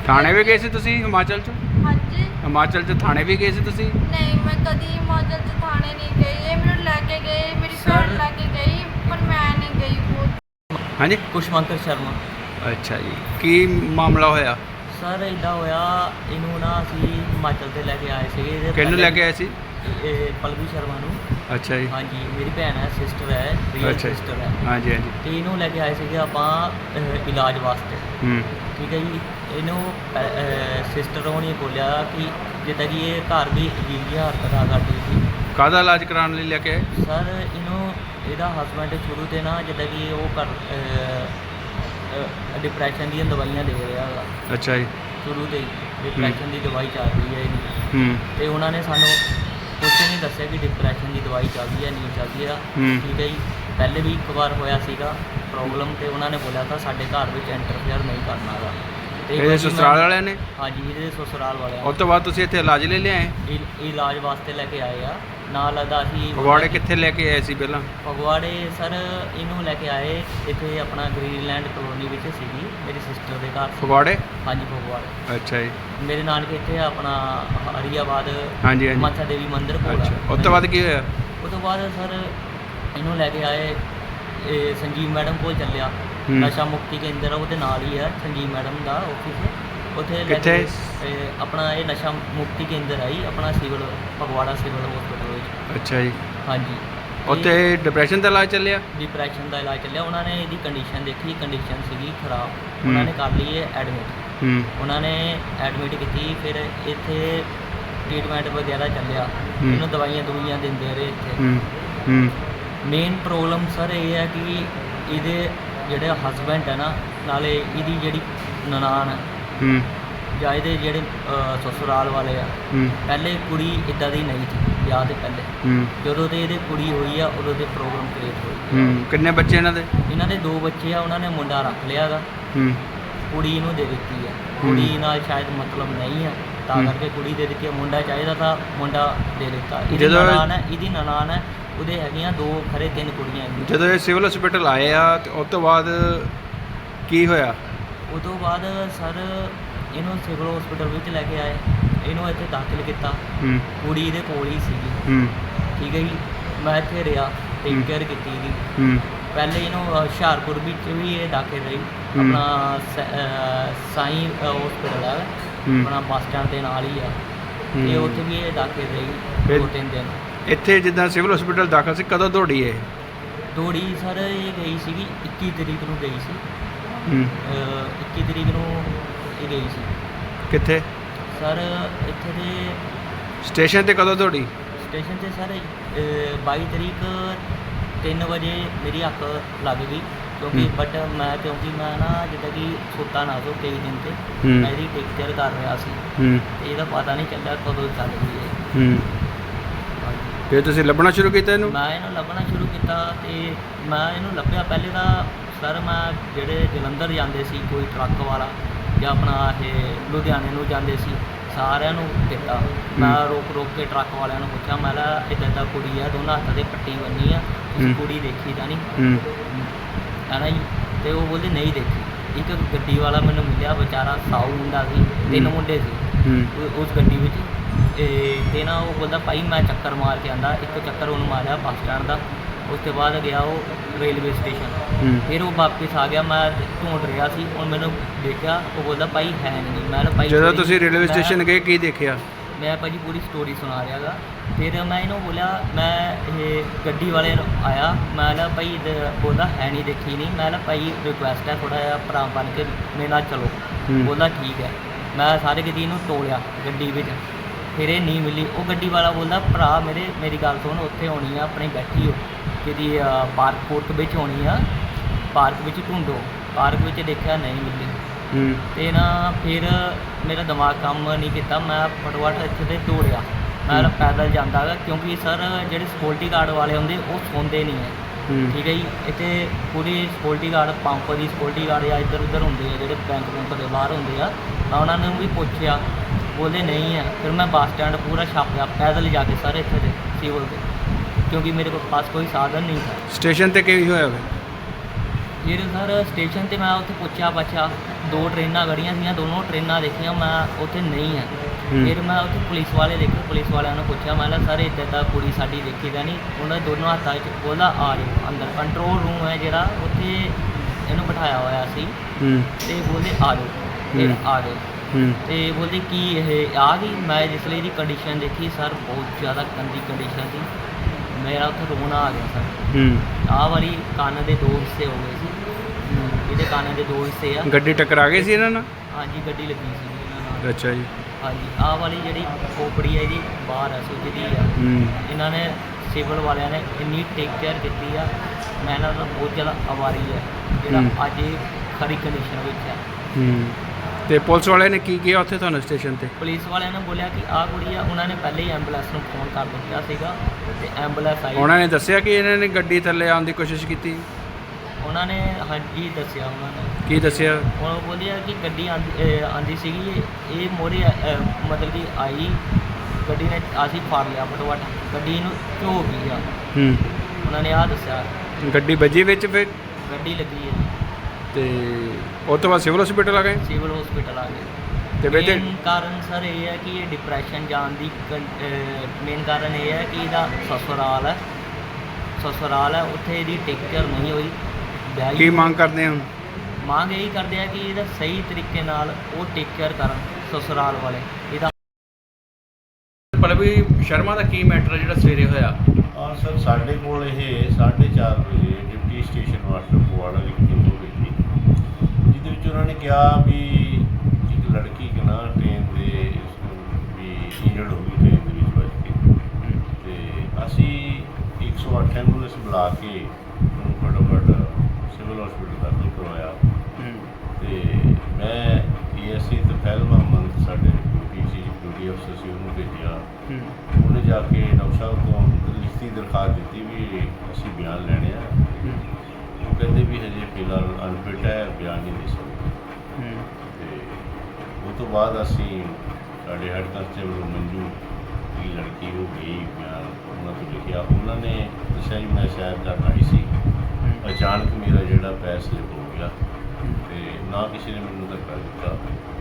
ਥਾਣੇ ਵੀ ਗਏ ਸੀ ਤੁਸੀਂ ਹਿਮਾਚਲ ਚ? ਹਾਂਜੀ। ਹਿਮਾਚਲ ਚ ਥਾਣੇ ਵੀ ਗਏ ਸੀ ਤੁਸੀਂ? ਨਹੀਂ, ਮੈਂ ਕਦੀ ਹਿਮਾਚਲ 'ਚ ਥਾਣੇ ਨਹੀਂ ਗਈ। ਇਹ ਮੈਨੂੰ ਲੈ ਕੇ ਗਏ, ਮੇਰੀ ਭੈਣ ਲੈ ਕੇ ਗਈ, ਪਰ ਮੈਂ ਨਹੀਂ ਗਈ। ਬਹੁਤ ਹਾਂਜੀ। ਕੁਸ਼ਮੰਤਰ ਸ਼ਰਮਾ। ਅੱਛਾ ਜੀ, ਕੀ ਮਾਮਲਾ ਹੋਇਆ? ਸਰ ਇੱਦਾਂ ਹੋਇਆ, ਇਹਨੂੰ ਨਾ ਅਸੀਂ ਹਿਮਾਚਲ ਤੇ ਲੈ ਕੇ ਆਏ ਸੀਗੇ। ਇਹਦੇ ਕਿਹਨੂੰ ਲੈ ਕੇ ਆਏ ਸੀ? ਇਹ ਪਲਵੀ ਸ਼ਰਮਾ ਨੂੰ। ਅੱਛਾ ਜੀ। ਹਾਂਜੀ, ਮੇਰੀ ਭੈਣ ਹੈ, ਸਿਸਟਰ ਹੈ, ਰੀਅਲ ਅੱਛਾ ਜੀ। ਸਿਸਟਰ ਹੈ। ਹਾਂਜੀ ਹਾਂਜੀ। ਤੇ ਇਹਨੂੰ ਲੈ ਕੇ ਆਏ ਸੀਗੇ ਆਪਾਂ ਇਲਾਜ ਵਾਸਤੇ। ਠੀਕ ਹੈ ਜੀ। ਇਹਨੂੰ ਸਿਸਟਰ ਹੋਣੀ ਬੋਲਿਆ ਕਿ ਜਿੱਦਾਂ ਕਿ ਇਹ ਘਰ ਵੀ ਅਜੀਬ ਜਿਹੀ ਹਰਕਤਾਂ ਕਰਦੀ ਸੀ। ਕਾਹਦਾ ਇਲਾਜ ਕਰਾਉਣ ਲਈ ਲੈ ਕੇ ਆਏ? ਸਰ ਇਹਨੂੰ ਇਹਦਾ ਹਸਬੈਂਡ ਸ਼ੁਰੂ ਤੇ ਨਾ ਜਿੱਦਾਂ ਕਿ ਉਹ ਕਰ ਡਿਪਰੈਸ਼ਨ ਦੀਆਂ ਦਵਾਈਆਂ ਦੇ ਰਿਹਾ ਹੈਗਾ ਅੱਛਾ ਜੀ। ਸ਼ੁਰੂ ਤੋਂ ਹੀ। ਡਿਪਰੈਸ਼ਨ ਦੀ ਦਵਾਈ ਚੱਲ ਰਹੀ ਹੈ ਇਹਦੀ। ਤੇ ਉਹਨਾਂ ਨੇ ਸਾਨੂੰ ਕੁਝ ਨਹੀਂ ਦੱਸਿਆ ਕਿ ਡਿਪਰੈਸ਼ਨ ਦੀ ਦਵਾਈ ਚੱਲਦੀ ਹੈ ਨਹੀਂ ਚੱਲਦੀ ਆ। ਠੀਕ ਹੈ ਜੀ। ਪਹਿਲੇ ਵੀ ਇੱਕ ਵਾਰ ਹੋਇਆ ਸੀਗਾ ਪ੍ਰੋਬਲਮ, ਤੇ ਉਹਨਾਂ ਨੇ ਬੋਲਿਆ ਤਾਂ ਸਾਡੇ ਘਰ ਵਿੱਚ ਇੰਟਰਫੇਅਰ ਨਹੀਂ ਕਰਨਾ ਗਾ। ਤੇ ਇਹਦੇ ਸਸੁਰਾਲ ਵਾਲਿਆਂ ਨੇ? ਹਾਂਜੀ, ਇਹਦੇ ਸਸੁਰਾਲ ਵਾਲਿਆਂ ਉਸ ਤੋਂ ਬਾਅਦ ਤੁਸੀਂ ਇੱਥੇ ਇਲਾਜ ਲਈ ਲਿਆਏ? ਇਲਾਜ ਵਾਸਤੇ ਲੈ ਕੇ ਆਏ ਆ। ਨਾਲ ਅਦਾ ਅਸੀਂ ਫਗਵਾੜੇ ਕਿੱਥੇ ਲੈ ਕੇ ਆਏ ਸੀ ਪਹਿਲਾਂ? ਫਗਵਾੜੇ ਸਰ ਇਹਨੂੰ ਲੈ ਕੇ ਆਏ ਇੱਥੇ ਆਪਣਾ ਗ੍ਰੀਨਲੈਂਡ ਕਲੋਨੀ ਵਿੱਚ ਸੀਗੀ ਮੇਰੀ ਸਿਸਟਰ ਦੇ ਘਰ। ਫਗਵਾੜੇ? ਹਾਂਜੀ, ਫਗਵਾੜੇ। ਅੱਛਾ ਜੀ। ਮੇਰੇ ਨਾਨਕੇ ਇੱਥੇ ਆਪਣਾ ਹਰੀਆਬਾਦ ਹਾਂਜੀ ਹਾਂਜੀ। ਮਾਤਾ ਦੇਵੀ ਮੰਦਿਰ ਕੋਲ। ਅੱਛਾ, ਉਸ ਤੋਂ ਬਾਅਦ ਕੀ ਹੋਇਆ? ਉਸ ਤੋਂ ਬਾਅਦ ਸਰ ਇਹਨੂੰ ਲੈ ਕੇ ਆਏ ਇਹ ਸੰਜੀਵ ਮੈਡਮ ਕੋਲ ਚੱਲਿਆ। ਨਸ਼ਾ ਮੁਕਤੀ ਕੇਂਦਰ ਉਹਦੇ ਨਾਲ ਹੀ ਹੈ ਸੰਜੀਵ ਮੈਡਮ ਦਾ ਆਫਿਸ। ਉੱਥੇ ਲੈ ਕੇ ਆਪਣਾ ਇਹ ਨਸ਼ਾ ਮੁਕਤੀ ਕੇਂਦਰ ਹੈ ਜੀ, ਆਪਣਾ ਸਿਵਲ ਫਗਵਾੜਾ ਸਿਵਲ ਹਸਪੀਟਲ ਵਿੱਚ। ਅੱਛਾ ਜੀ। ਹਾਂਜੀ। ਉੱਥੇ ਡਿਪਰੈਸ਼ਨ ਦਾ ਇਲਾਜ ਚੱਲਿਆ? ਡਿਪਰੈਸ਼ਨ ਦਾ ਇਲਾਜ ਚੱਲਿਆ। ਉਹਨਾਂ ਨੇ ਇਹਦੀ ਕੰਡੀਸ਼ਨ ਦੇਖੀ, ਕੰਡੀਸ਼ਨ ਸੀਗੀ ਖਰਾਬ। ਉਹਨਾਂ ਨੇ ਕਰ ਲਈ ਇਹ ਐਡਮਿਟ। ਉਹਨਾਂ ਨੇ ਐਡਮਿਟ ਕੀਤੀ, ਫਿਰ ਇੱਥੇ ਟ੍ਰੀਟਮੈਂਟ ਵਗੈਰਾ ਚੱਲਿਆ। ਇਹਨੂੰ ਦਵਾਈਆਂ ਦਵਾਈਆਂ ਦਿੰਦੇ ਰਹੇ ਇੱਥੇ। ਮੇਨ ਪ੍ਰੋਬਲਮ ਸਰ ਇਹ ਹੈ ਕਿ ਇਹਦੇ ਜਿਹੜੇ ਹਸਬੈਂਡ ਹੈ ਨਾ, ਨਾਲੇ ਇਹਦੀ ਜਿਹੜੀ ਨਨਾਣ ਹੈ ਜਾਂ ਇਹਦੇ ਜਿਹੜੇ ਸਸੁਰਾਲ ਵਾਲੇ ਆ, ਪਹਿਲੇ ਕੁੜੀ ਇੱਦਾਂ ਦੀ ਨਹੀਂ ਸੀ ਵਿਆਹ ਦੇ ਪਹਿਲੇ। ਜਦੋਂ ਤੇ ਇਹਦੇ ਕੁੜੀ ਹੋਈ ਆ ਉਦੋਂ ਦੇ ਪ੍ਰੋਬਲਮ ਕ੍ਰੀਏਟ ਹੋਈ। ਕਿੰਨੇ ਬੱਚੇ ਇਹਨਾਂ ਦੇ? ਇਹਨਾਂ ਦੇ 2 ਬੱਚੇ ਆ। ਉਹਨਾਂ ਨੇ ਮੁੰਡਾ ਰੱਖ ਲਿਆ ਗਾ, ਕੁੜੀ ਨੂੰ ਦੇ ਦਿੱਤੀ ਆ। ਕੁੜੀ ਨਾਲ ਸ਼ਾਇਦ ਮਤਲਬ ਨਹੀਂ ਆ, ਤਾਂ ਕਰਕੇ ਕੁੜੀ ਦੇ ਦਿੱਤੀ ਆ। ਮੁੰਡਾ ਚਾਹੀਦਾ ਤਾਂ ਮੁੰਡਾ ਦੇ ਦਿੱਤਾ। ਇਹਦੀ ਨਨਾਣ ਹੈ, ਉਹਦੇ ਹੈਗੀਆਂ 2 ਖਰੇ 3 ਕੁੜੀਆਂ ਹੈਗੀਆਂ। ਜਦੋਂ ਇਹ ਸਿਵਲ ਹਸਪੀਟਲ ਆਏ ਆ ਤੇ ਉਸ ਤੋਂ ਬਾਅਦ ਕੀ ਹੋਇਆ? ਉਸ ਤੋਂ ਬਾਅਦ ਸਰ ਇਹਨੂੰ ਸਿਵਲ ਹਸਪੀਟਲ ਵਿੱਚ ਲੈ ਕੇ ਆਏ, ਇਹਨੂੰ ਇੱਥੇ ਦਾਖਲ ਕੀਤਾ। ਕੁੜੀ ਇਹਦੇ ਕੋਲ ਹੀ ਸੀਗੀ। ਠੀਕ ਹੈ ਜੀ। ਮੈਂ ਇੱਥੇ ਰਿਹਾ, ਟੇਕ ਕੇਅਰ ਕੀਤੀ ਇਹਦੀ। ਪਹਿਲੇ ਇਹਨੂੰ ਹੁਸ਼ਿਆਰਪੁਰ ਵਿੱਚ ਵੀ ਇਹ ਦਾਖਲ ਰਹੀ। ਆਪਣਾ ਸਾਈਂ ਹਸਪੀਟਲ ਹੈ ਆਪਣਾ ਬੱਸ ਸਟੈਂਡ ਦੇ ਨਾਲ ਹੀ ਆ, ਤੇ ਉੱਥੇ ਵੀ ਇਹ ਦਾਖਲ ਰਹੀ 2-3 ਦਿਨ। ਇੱਥੇ ਜਿੱਦਾਂ ਸਿਵਲ ਹਸਪੀਟਲ ਦਾਖਲ ਸੀ, ਕਦੋਂ ਦੌੜੀ ਇਹ? ਦੌੜੀ ਸਰ ਇਹ ਗਈ ਸੀਗੀ 21 ਤਰੀਕ ਨੂੰ ਗਈ ਸੀ। 21 ਤਰੀਕ ਨੂੰ ਇਹ ਗਈ ਸੀ। ਕਿੱਥੇ? ਸਰ ਇੱਥੇ ਦੇ ਸਟੇਸ਼ਨ ਤੇ ਕਦੋਂ ਦੌੜੀ? ਸਟੇਸ਼ਨ ਤੇ ਸਰ 22 ਤਰੀਕ 3 ਵਜੇ ਮੇਰੀ ਅੱਖ ਲੱਗ ਗਈ। ਕਿਉਂਕਿ ਮੈਂ ਨਾ ਜਿੱਦਾਂ ਕਿ ਸੁੱਤਾ ਨਾ ਸੋ ਕਈ ਦਿਨ ਤੇ ਮੈਂ ਇਹਦੀ ਟੇਕ ਕੇਅਰ ਕਰ ਰਿਹਾ ਸੀ, ਤੇ ਇਹਦਾ ਪਤਾ ਨਹੀਂ ਚੱਲਿਆ ਕਦੋਂ ਚੱਲ ਗਈ ਇਹ। ਫਿਰ ਤੁਸੀਂ ਲੱਭਣਾ ਸ਼ੁਰੂ ਕੀਤਾ ਇਹਨੂੰ? ਮੈਂ ਇਹਨੂੰ ਲੱਭਣਾ ਸ਼ੁਰੂ ਕੀਤਾ, ਤੇ ਮੈਂ ਇਹਨੂੰ ਲੱਭਿਆ ਪਹਿਲੇ ਤਾਂ ਸਰ ਮੈਂ ਜਿਹੜੇ ਜਲੰਧਰ ਜਾਂਦੇ ਸੀ ਕੋਈ ਟਰੱਕ ਵਾਲਾ ਜਾਂ ਆਪਣਾ ਇਹ ਲੁਧਿਆਣੇ ਨੂੰ ਜਾਂਦੇ ਸੀ, ਸਾਰਿਆਂ ਨੂੰ ਦਿੱਤਾ। ਮੈਂ ਰੋਕ ਕੇ ਟਰੱਕ ਵਾਲਿਆਂ ਨੂੰ ਪੁੱਛਿਆ, ਮੈਂ ਕਿਹਾ ਇੱਦਾਂ ਦਾ ਕੁੜੀ ਆ, ਦੋਨਾਂ ਹੱਥਾਂ 'ਤੇ ਪੱਟੀ ਬੰਨੀ ਆ, ਤੁਸੀਂ ਕੁੜੀ ਦੇਖੀ ਤਾਂ ਨਹੀਂ ਹੈ ਨਾ ਜੀ? ਤੇ ਉਹ ਬੋਲਦੇ ਨਹੀਂ ਦੇਖੀ। ਇੱਕ ਗੱਡੀ ਵਾਲਾ ਮੈਨੂੰ ਮਿਲਿਆ, ਵਿਚਾਰਾ ਸਾਊ ਮੁੰਡਾ ਸੀ, 3 ਮੁੰਡੇ ਸੀ ਉਸ ਗੱਡੀ ਵਿੱਚ। ਤੇ ਨਾ ਉਹ ਬੋਲਦਾ ਭਾਈ ਮੈਂ ਚੱਕਰ ਮਾਰ ਕੇ ਆਂਦਾ। ਇੱਕ ਚੱਕਰ ਉਹਨੂੰ ਮਾਰਿਆ ਬੱਸ ਸਟੈਂਡ ਦਾ। ਉਸ ਤੋਂ ਬਾਅਦ ਗਿਆ ਉਹ ਰੇਲਵੇ ਸਟੇਸ਼ਨ। ਫਿਰ ਉਹ ਵਾਪਿਸ ਆ ਗਿਆ। ਮੈਂ ਢੂੰਡ ਰਿਹਾ ਸੀ, ਹੁਣ ਮੈਨੂੰ ਦੇਖਿਆ, ਉਹ ਬੋਲਦਾ ਭਾਈ ਹੈ ਨਹੀਂ। ਮੈਂ ਭਾਈ ਜਦੋਂ ਤੁਸੀਂ ਰੇਲਵੇ ਸਟੇਸ਼ਨ ਗਏ ਕੀ ਦੇਖਿਆ? ਮੈਂ ਭਾਅ ਜੀ ਪੂਰੀ ਸਟੋਰੀ ਸੁਣਾ ਰਿਹਾ ਗਾ। ਫਿਰ ਮੈਂ ਇਹਨੂੰ ਬੋਲਿਆ, ਮੈਂ ਇਹ ਗੱਡੀ ਵਾਲੇ ਨੂੰ ਆਇਆ, ਮੈਂ ਕਿਹਾ ਭਾਈ ਬੋਲਦਾ ਹੈ ਨਹੀਂ ਦੇਖੀ ਨਹੀਂ। ਮੈਂ ਕਿਹਾ ਭਾਈ ਰਿਕੁਐਸਟ ਹੈ ਥੋੜ੍ਹਾ ਜਿਹਾ ਭਰਾ ਬਣ ਕੇ ਮੇਰੇ ਨਾਲ ਚਲੋ। ਬੋਲਦਾ ਠੀਕ ਹੈ। ਮੈਂ ਸਾਰੇ ਕਿਤੇ ਇਹਨੂੰ ਤੋਲਿਆ ਗੱਡੀ ਵਿੱਚ, ਫਿਰ ਇਹ ਨਹੀਂ ਮਿਲੀ। ਉਹ ਗੱਡੀ ਵਾਲਾ ਬੋਲਦਾ ਭਰਾ ਮੇਰੀ ਗੱਲ ਸੁਣ, ਉੱਥੇ ਹੋਣੀ ਆ ਆਪਣੀ ਬੈਠੀ ਹੋ ਕਿਹਦੀ ਪਾਰਕ ਵਿੱਚ ਹੋਣੀ ਆ, ਪਾਰਕ ਵਿੱਚ ਢੂੰਡੋ। ਪਾਰਕ ਵਿੱਚ ਦੇਖਿਆ ਨਹੀਂ ਮਿਲੀ। ਤੇ ਨਾ ਫਿਰ ਮੇਰਾ ਦਿਮਾਗ ਕੰਮ ਨਹੀਂ ਕੀਤਾ। ਮੈਂ ਫਟਾਫਟ ਇੱਥੇ ਤੇ ਦੌੜਿਆ। ਮੈਂ ਪੈਦਲ ਜਾਂਦਾ ਗਾ, ਕਿਉਂਕਿ ਸਰ ਜਿਹੜੇ ਸਿਕਿਉਰਟੀ ਗਾਰਡ ਵਾਲੇ ਹੁੰਦੇ ਉਹ ਸੌਂਦੇ ਨਹੀਂ ਹੈ। ਠੀਕ ਹੈ ਜੀ। ਇੱਥੇ ਪੂਰੀ ਸਿਕਿਉਰਟੀ ਗਾਰਡ, ਪੰਪ ਦੀ ਸਿਕਿਉਰਟੀ ਗਾਰਡ ਜਾਂ ਇੱਧਰ ਉੱਧਰ ਹੁੰਦੇ ਆ ਜਿਹੜੇ ਬੈਂਕ ਦੇ ਬਾਹਰ ਹੁੰਦੇ ਆ। ਮੈਂ ਉਹਨਾਂ ਨੂੰ ਵੀ ਪੁੱਛਿਆ, ਬੋਲਦੇ ਨਹੀਂ ਹੈ। ਫਿਰ ਮੈਂ ਬੱਸ ਸਟੈਂਡ ਪੂਰਾ ਛਾਪਿਆ ਪੈਦਲ ਜਾ ਕੇ ਸਾਰੇ ਇੱਥੇ ਦੇ ਸਿਵਲ ਦੇ, ਕਿਉਂਕਿ ਮੇਰੇ ਕੋਲ ਪਾਸ ਕੋਈ ਸਾਧਨ ਨਹੀਂ था। ਸਟੇਸ਼ਨ ਤੇ ਕੀ ਹੋਇਆ? ਫਿਰ ਸਰ ਸਟੇਸ਼ਨ ਤੇ ਮੈਂ ਉੱਥੇ ਪੁੱਛਿਆ 2 ਟ੍ਰੇਨਾਂ ਖੜ੍ਹੀਆਂ ਸੀਗੀਆਂ, ਦੋਨੋਂ ਟ੍ਰੇਨਾਂ ਦੇਖੀਆਂ, ਮੈਂ ਉੱਥੇ ਨਹੀਂ ਹੈ। ਹੂੰ। ਫਿਰ ਮੈਂ ਉੱਥੇ ਪੁਲਿਸ ਵਾਲੇ ਦੇਖੇ, ਪੁਲਿਸ ਵਾਲਿਆਂ ਨੂੰ ਪੁੱਛਿਆ, ਮੈਂ ਕਿਹਾ ਸਰ ਇੱਦਾਂ ਤਾਂ ਕੁੜੀ ਸਾਡੀ ਦੇਖੀ ਤਾਂ ਨਹੀਂ। ਉਹਨਾਂ ਦੇ ਦੋਨੋਂ ਹੱਥਾਂ 'ਚ ਬੋਲਦਾ ਆ ਜਾਓ ਅੰਦਰ, ਕੰਟਰੋਲ ਰੂਮ ਹੈ ਜਿਹੜਾ, ਉੱਥੇ ਇਹਨੂੰ ਬਿਠਾਇਆ ਹੋਇਆ ਸੀ। ਹੂੰ ਤੇ ਬੋਲਦੇ ਆ ਜਾਓ, ਫਿਰ ਹੂੰ। ਆ ਗਏ। ਹੂੰ ਤੇ ਬੋਲਦੇ ਕੀ ਇਹ ਆ ਗਈ। ਮੈਂ ਜਿਸ ਲਈ ਇਹਦੀ ਕੰਡੀਸ਼ਨ ਦੇਖੀ ਸਰ, ਬਹੁਤ ਜ਼ਿਆਦਾ ਗੰਦੀ ਕੰਡੀਸ਼ਨ ਸੀ, ਮੇਰਾ ਉੱਥੇ ਰੋਣਾ ਆ ਗਿਆ ਸਰ। ਹੂੰ। ਆਹ ਵਾਲੀ ਕੰਨ ਦੇ 2 ਹਿੱਸੇ ਹੋ ਗਏ ਸੀ, ਇਹਦੇ ਕੰਨ ਦੇ 2 ਹਿੱਸੇ ਆ। ਗੱਡੀ ਟਕਰਾ ਗਈ ਸੀ ਇਹਨਾਂ ਨਾਲ? ਹਾਂਜੀ ਗੱਡੀ ਲੱਗੀ ਸੀ ਇਹਨਾਂ ਨਾਲ। ਅੱਛਾ ਜੀ। ਹਾਂਜੀ ਆਹ ਵਾਲੀ ਜਿਹੜੀ ਖੋਪੜੀ ਹੈ ਇਹਦੀ ਬਾਹਰ ਹੈ, ਸੁੱਜਦੀ ਆ। ਹੂੰ। ਇਹਨਾਂ ਨੇ ਸਿਵਲ ਵਾਲਿਆਂ ਨੇ ਇੰਨੀ ਟੇਕ ਕੇਅਰ ਕੀਤੀ ਆ, ਮੈਂ ਇਹਨਾਂ ਦਾ ਬਹੁਤ ਜ਼ਿਆਦਾ ਆਭਾਰੀ ਹੈ ਜਿਹੜਾ ਅੱਜ ਇਹ ਖਰੀ ਕੰਡੀਸ਼ਨ ਵਿੱਚ ਹੈ। ਹੂੰ। ਤੇ ਪੁਲਿਸ ਵਾਲਿਆਂ ਨੇ ਕੀ ਕੀਤਾ ਉੱਥੇ ਤੁਹਾਨੂੰ ਸਟੇਸ਼ਨ ਤੇ? ਪੁਲਿਸ ਵਾਲਿਆਂ ਨੇ ਬੋਲਿਆ ਕਿ ਆਹ ਕੁੜੀ ਆ, ਉਹਨਾਂ ਨੇ ਪਹਿਲੇ ਹੀ ਐਂਬੂਲੈਂਸ ਨੂੰ ਫੋਨ ਕਰ ਦਿੱਤਾ ਸੀਗਾ ਤੇ ਐਂਬੂਲੈਂਸ ਆਈ। ਉਹਨਾਂ ਨੇ ਦੱਸਿਆ ਕਿ ਇਹਨਾਂ ਨੇ ਗੱਡੀ ਥੱਲੇ ਆਉਣ ਦੀ ਕੋਸ਼ਿਸ਼ ਕੀਤੀ? ਉਹਨਾਂ ਨੇ ਹਾਂਜੀ ਦੱਸਿਆ, ਉਹਨਾਂ ਨੇ ਕੀ ਦੱਸਿਆ? ਉਹ ਬੋਲਿਆ ਕਿ ਗੱਡੀ ਆਂਦੀ ਸੀਗੀ, ਇਹ ਮੋਰੇ ਮਤਲਬ ਕਿ ਆਈ ਗੱਡੀ ਨੇ, ਅਸੀਂ ਫੜ ਲਿਆ ਫਟੋਫਟ, ਗੱਡੀ ਨੂੰ ਝੋ ਗਈ ਆ। ਹੂੰ। ਉਹਨਾਂ ਨੇ ਆਹ ਦੱਸਿਆ। ਗੱਡੀ ਵੱਜੀ ਵਿੱਚ ਫਿਰ? ਗੱਡੀ ਲੱਗੀ ਹੈ ਤੇ ਉਸ ਤੋਂ ਬਾਅਦ ਸਿਵਲ ਹਸਪੀਟਲ ਆ ਗਏ? ਸਿਵਲ ਹਸਪੀਟਲ ਆ ਗਏ। ਤੇ ਵਿੱਚ ਮੇਨ ਕਾਰਨ ਸਰ ਇਹ ਹੈ ਕਿ ਇਹ ਡਿਪਰੈਸ਼ਨ ਜਾਣ ਦੀ ਮੇਨ ਕਾਰਨ ਇਹ ਹੈ ਕਿ ਇਹਦਾ ਸਸੁਰਾਲ ਹੈ, ਉੱਥੇ ਇਹਦੀ ਟੇਕ ਕੇਅਰ ਨਹੀਂ ਹੋਈ। ਕੀ ਮੰਗ ਕਰਦੇ ਹੋ? ਮੰਗ ਇਹੀ ਕਰਦੇ ਆ ਕਿ ਇਹਦਾ ਸਹੀ ਤਰੀਕੇ ਨਾਲ ਉਹ ਟੇਕ ਕੇਅਰ ਕਰਨ ਸਸੁਰਾਲ ਵਾਲੇ। ਇਹਦਾ ਪਲਵੀ ਸ਼ਰਮਾ ਦਾ ਕੀ ਮੈਟਰ ਜਿਹੜਾ ਸਵੇਰੇ ਹੋਇਆ? ਹਾਂ ਸਰ, ਸਾਡੇ ਕੋਲ ਇਹ 4:30 ਵਜੇ ਡਿਪਟੀ ਸਟੇਸ਼ਨ ਮਾਸਟਰ ਫਗਵਾੜਾ ਦੀ ਕਿੰਦੋ ਹੋਈ ਸੀ, ਜਿਹਦੇ ਵਿੱਚ ਉਹਨਾਂ ਨੇ ਕਿਹਾ ਵੀ ਇੱਕ ਲੜਕੀ ਕਿ ਨਾ ਟ੍ਰੇਨ ਦੇ ਵੀ ਇੰਜਰਡ ਹੋ ਗਈ ਟ੍ਰੇਨ ਦੇ ਵਿੱਚ ਵੱਜ ਕੇ। ਤੇ ਅਸੀਂ 108 ਐਂਬੂਲੈਂਸ ਬੁਲਾ ਕੇ ਉਹਨੂੰ ਫਟਾਫਟ ਸਿਵਲ ਹਸਪੀਟਲ ਦਾਖਲ ਕਰਵਾਇਆ। ਤੇ ਮੈਂ ਏਐਸਆਈ ਤਫੈਲ ਮੁਹੰਮਦ ਸਾਡੇ ਡਿਊਟੀ ਅਫਸਰ ਸੀ, ਉਹਨੂੰ ਭੇਜਿਆ। ਉਹਨੇ ਜਾ ਕੇ ਡਾਕਟਰ ਸਾਹਿਬ ਤੋਂ ਲਿਖਤੀ ਦਰਖਾਸਤ ਦਿੱਤੀ ਵੀ ਅਸੀਂ ਬਿਆਨ ਲੈਣੇ ਆ। ਉਹ ਕਹਿੰਦੇ ਵੀ ਹਜੇ ਫਿਲਹਾਲ ਅਨਫਿਟ ਹੈ, ਬਿਆਨ ਨਹੀਂ ਦੇ ਸਕਦੇ। ਤੇ ਉਹ ਤੋਂ ਬਾਅਦ ਅਸੀਂ ਸਾਡੇ ਹੈਡ ਕਾਂਸਟੇਬਲ ਮੰਜੂ ਦੀ ਲੜਕੀ ਹੋ ਗਈ, ਬਿਆਨ ਉਹਨਾਂ ਤੋਂ ਲਿਖਿਆ। ਉਹਨਾਂ ਨੇ ਦੱਸਿਆ ਜੀ ਮੈਂ ਸ਼ਾਇਦ ਕਰਨ ਆਈ ਸੀ, ਅਚਾਨਕ ਮੇਰਾ ਜਿਹੜਾ ਪੈਰ ਸਲਿਪ ਹੋ ਗਿਆ ਤੇ ਨਾ ਕਿਸੇ ਨੇ ਮੈਨੂੰ ਧੱਕਾ ਦਿੱਤਾ।